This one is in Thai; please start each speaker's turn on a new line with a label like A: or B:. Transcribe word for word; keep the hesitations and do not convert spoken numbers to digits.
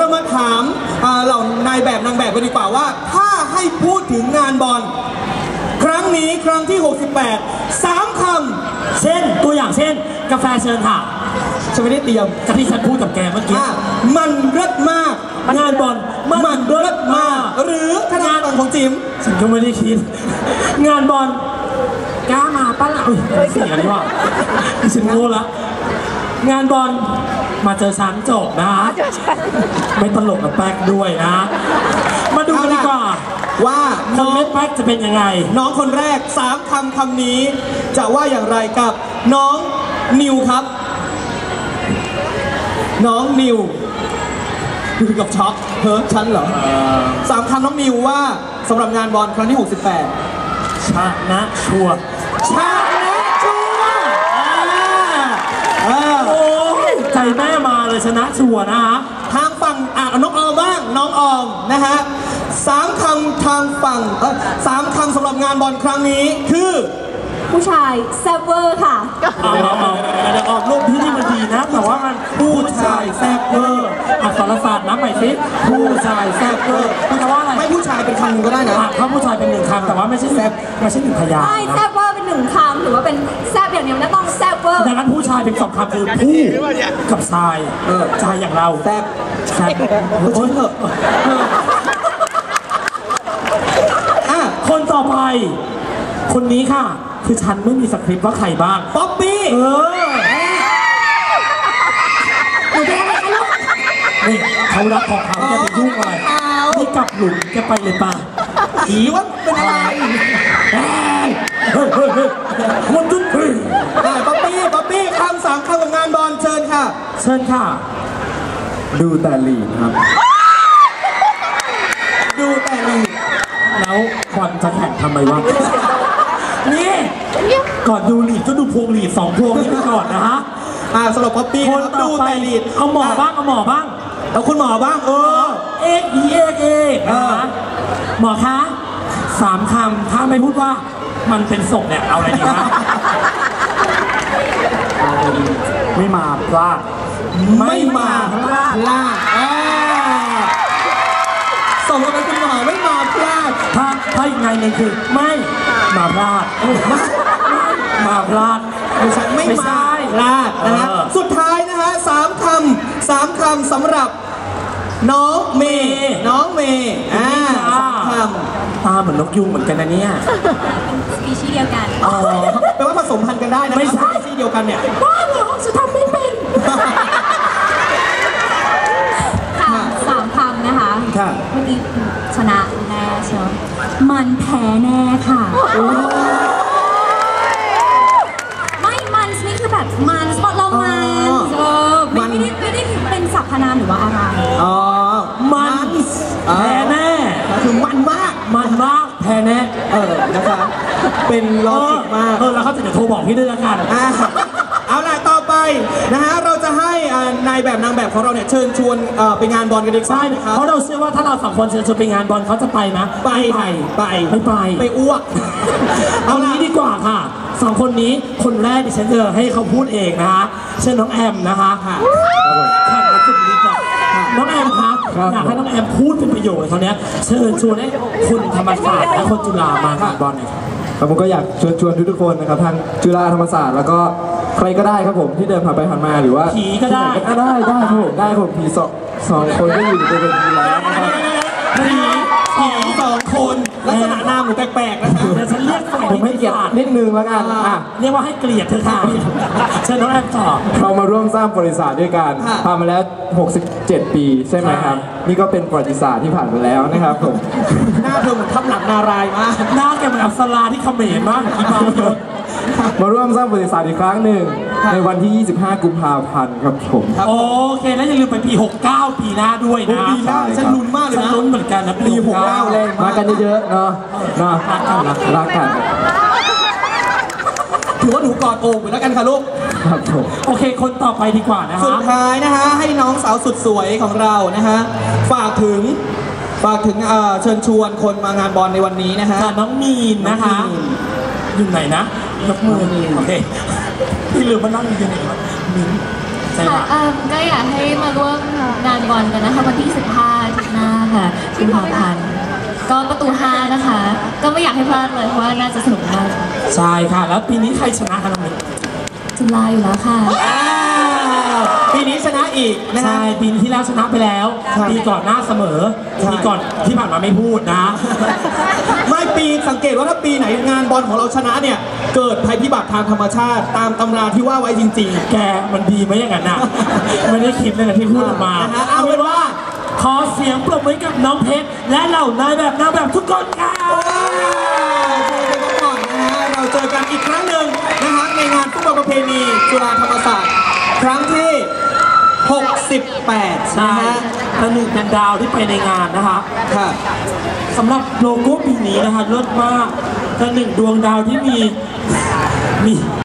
A: เรามาถามเหล่านายแบบนางแบบกันดีกว่าว่าถ้าให้พูดถึงงานบอลครั้งนี้ครั้งที่หกสิบแปดสามคำ
B: เช่นตัวอย่างเช่นกาแฟเชิญค่ะ
A: ฉันไม่ได้เตรียม
B: กับที่ฉันพูดกับแกเมื่อกี้
A: มันเลิศมาก
B: งานบอล
A: มันเลิศมากหรือขนาดของจิ๋ม
B: ฉันก็ไม่ได้คิดงานบอลกล้ามาป้าล่ะเสียงนี่ว่าฉันโง่ละงานบอลมาเจอฉันจบนะไม่ตลกกับแป๊กด้วยนะมาดูกันดีกว่า
A: ว่า
B: น้องแป๊กจะเป็นยังไง
A: น้องคนแรกสามคำคำนี้จะว่าอย่างไรกับน้องนิวครับน้องนิวดูกับช็อกเฮ้ยฉันเหรอสามคำน้องนิวว่าสำหรับงานบอลครั้งที่หกสิบแปด
B: ชนะชัว
A: ชนะชัว
B: โอ้ใจแม่มาเลยชนะชัวนะฮะ
A: ทางฝั่งอ่ะน้องออมบ้างน้องออมนะฮะสามคำทางฝั่งเออสามคำสำหรับงานบอลครั้งนี้คือ
C: ผู้ชายแซ่บเวอร์ค่ะ
B: เอาเอาเอาเดี๋ยวออกรูปที่นี่มันดีนะแต่ว่ามันผู้ชายแซ่บเวอร์อักษรศาสตร์นะใหม่สิผู้ชายแซ่บเวอร์แปลว่าอะไร
A: ไม่ผู้ชายเป็นคำก็ได้นะ
B: ถ้าผู้ชายเป็นหนึ่งคำแต่ว่าไม่ใช่แซ่บไม่ใช่หนึ่งพยางค์
C: ไม่แซ่บเวอร์เป็นหนึ่งคำหรือว่าเป็นแซ่บอย่างเดียวนะต้องแซ่บเวอร์
B: ดังนั้นผู้ชายเป็นสองคำคือผู้กับชายชายอย่างเรา
A: แซ่บ
B: แซ่บโอ้ยเถอะคนต่อไปคนนี้ค่ะคือฉันไม่มีสคริปต์ว่าใครบ้าง
A: ป๊อปปี้
B: เออนี่เขารักของเขาจะไปยุ่งอะไรนี่กลับหลุมจะไปเลยป่ะ
A: ผีว่าเป็นอะไร
B: เฮ้ยเฮ้ยเฮ้ยคนจุดพึ่ง
A: ป๊อปปี้ป๊อปปี้คำสามคำของงานบอลเชิญค่ะ
B: เชิญค่ะ
A: ดูแต่ลีดครับดูแต่ลีด
B: แล้วควันจะแข่งทำไมวะนี่ก่อนดูลีดก็ดูพวงลีดสองพวงนี้ไปก่อนนะฮะ
A: อ่าสำหรับป๊อปปี้
B: คนดูแต่ลีดเอาหมอบ้างเอาหมอบ้าง
A: เอาคุณหมอบ้างเออ
B: เอกอีเอกเอกนะหมอคะสามคำถ้าไม่พูดว่ามันเป็นศพเนี่ยเอาอะไรดีฮะไม่มาพลาด
A: ไม่มาพลาดพลาดส่งกันไปคุณหมอไม่มาพลาด
B: ถ้าถ้าอีกไงหนึ่งคือไม่มาพลาดมาพลาด
A: ไม่ใช่ไม่มาพลาดนะฮะสุดท้ายนะฮะสามคำสามคำสำหรับน้องเมย์น้องเมย์อ่าสามคำ
B: ตาเหมือนนกยุงเหมือนกันนะเนี่ย
C: สปีชีส์เดียวกัน
A: อ๋อแปลว่าผสมพันธุ์กันได้นะ
B: ไม่ใช่
A: สปีชีส์เดียวกันเนี่ย
C: บ้าเหรอจะทำไม่เป็นค่ะสามคำนะคะเมื่อกี้ชนะแน่เชียวมันแพ้แน่ค่ะไม่มันนี่คือแบบมันสปอตเรามันเออไม่ได้ไม่ได้เป็นสรรพนามหรือว่าอะไร
A: อ๋อ
B: มันแพ้แน่
A: คือมันมาก
B: มันมากแพ้แน่
A: เออนะคะเป็นลอจิกมาก
B: เออแล้วเขาจะโทรบอกพี่ด้วยละกัน
A: เอาล่ะต่อไปนะฮะเราจะให้นายแบบนางแบบของเราเนี่ยเชิญชวนไปงานบอลกันดีกว่า
B: นะครับเพราะเราเชื่อว่าถ้าเราสองคนเชิญชวนไปงานบอลเขาจะไปนะ
A: ไปไปไป
B: ไม่ไป
A: ไปอ้วก
B: เอานี้ดีกว่าค่ะสองคนนี้คนแรกดิฉันจะให้เขาพูดเองนะฮะเชิญน้องแอมนะคะค่ะแข่งกันสุดฤทธิ์น้องแอมครับอยากให้น้องแอมพูดเป็นประโยชน์เขาเนี้ยเชิญชวนให้คนธรรมศาสตร์และคนจุฬามางานบอลหน่อย
D: ครับผมก็อยากชวนชวนทุกคนนะครับทางจุฬาธรรมศาสตร์แล้วก็ใครก็ได้ครับผมที่เดินผ่านไปผ่านมาหรือว่า
B: ผีก็ได้
D: ก็ได้ได้ครับผมได้ผมผีสองสองคนก็อยู่ในเป็นผีแล้วนะครับ
A: ผีผีสองคนลักษณะหน้าเหมือนแปลกๆนะครับ
B: แต่ฉันเรียกฝ่าย
D: ผมให้เกียรตินิดนึงแล้วกันอ่ะ
B: เรียกว่าให้เกลียดเธอค่ะเชิญน้องแอมต่อ
D: เรามาร่วมสร้างประวัติศาสตร์ด้วยกันผ่านมาแล้วหกสิบเจ็ดปีใช่ไหมครับนี่ก็เป็นประวัติศาสตร์ที่ผ่านไปแล้วนะครับผม
A: หน้าเธอเหมือนทับหลังนารายมาก
B: หน้าแกเหมือนอัปสราที่เขมรมากอีบางยศ
D: มาร่วมสร้างประวัติศาสตร์อีกครั้งหนึ่งในวันที่ยี่สิบห้ากุมภาพันธ์ครับผม
B: โอเคแล้วอย่าลืมไปปีหกเก้าปีหน้าด้วยนะ
A: ปีหน้าฉันลุ้นมากเลยนะ
B: ฉันลุ้นเหมือนกันนะ
A: ปีหกเก้าเลย
D: มากันเยอะๆเนาะเนาะ
B: รักกัน
D: รักกัน
A: ถือว่าหนูกอดโอ่งไปแล้วกันค่ะลูก
D: ครับผม
B: โอเคคนต่อไปดีกว่านะฮะ
A: สุดท้ายนะฮะให้น้องสาวสุดสวยของเรานะฮะฝากถึงฝากถึงเชิญชวนคนมางานบอลในวันนี้นะฮะ
B: น้องมีนนะคะอยู่ไหนนะยกมือโอเคพี่ลืมมานั่งอยู่ไหนวะมีนใช่
C: ค่ะ
B: ปะ
C: เอิ่มก็อยากให้มาร่วมงานบอลกันนะคะวันที่สิบห้าอาทิตย์หน้าค่ะกุมภาพันธ์ก็ประตูห้านะคะ ก็ไม่อยากให้พลาดเลยเพราะว่าน่าจะสนุกมาก
B: ใช่ค่ะ แล้วปีนี้ใครชนะคะน้องมิ้น
C: จุฬาอยู่แล้วค่ะ
A: อ้าวปีนี้ชนะอีกนะฮะ
B: ใช่ปีที่แล้วชนะไปแล้ว
A: ใช่
B: ปีก่อนหน้าเสมอ
A: ใช่
B: ปีก่อนที่ผ่านมาไม่พูดนะ
A: ไม่ปีสังเกตว่าถ้าปีไหนงานบอลของเราชนะเนี่ย เกิดภัยพิบัติทางธรรมชาติตามตำราที่ว่าไว้จริง
B: แกมันดีไหมอย่างนั้นน่ะ ไม่ได้คิดเลยนะที่พูดออกมา
A: นะฮะเอาเป็นว่า
B: ขอเสียงปรบมือให้กับน้องเพชรและเหล่านายแบบนางแบบทุกคนค่ะ
A: ๆเจอกันก่อนนะฮะเราเจอกันอีกครั้งหนึ่งนะฮะในงานฟุตบอลประเพณีจุฬาธรรมศาสตร์ครั้งที่ หกสิบแปด
B: ใช่
A: นะฮะ
B: ประหนึ่งเป็นดาวที่ไปในงานนะคะ
A: ค่ะ
B: สำหรับโลโก้ปีนี้นะคะเลิศมากประหนึ่งดวงดาวที่มีมี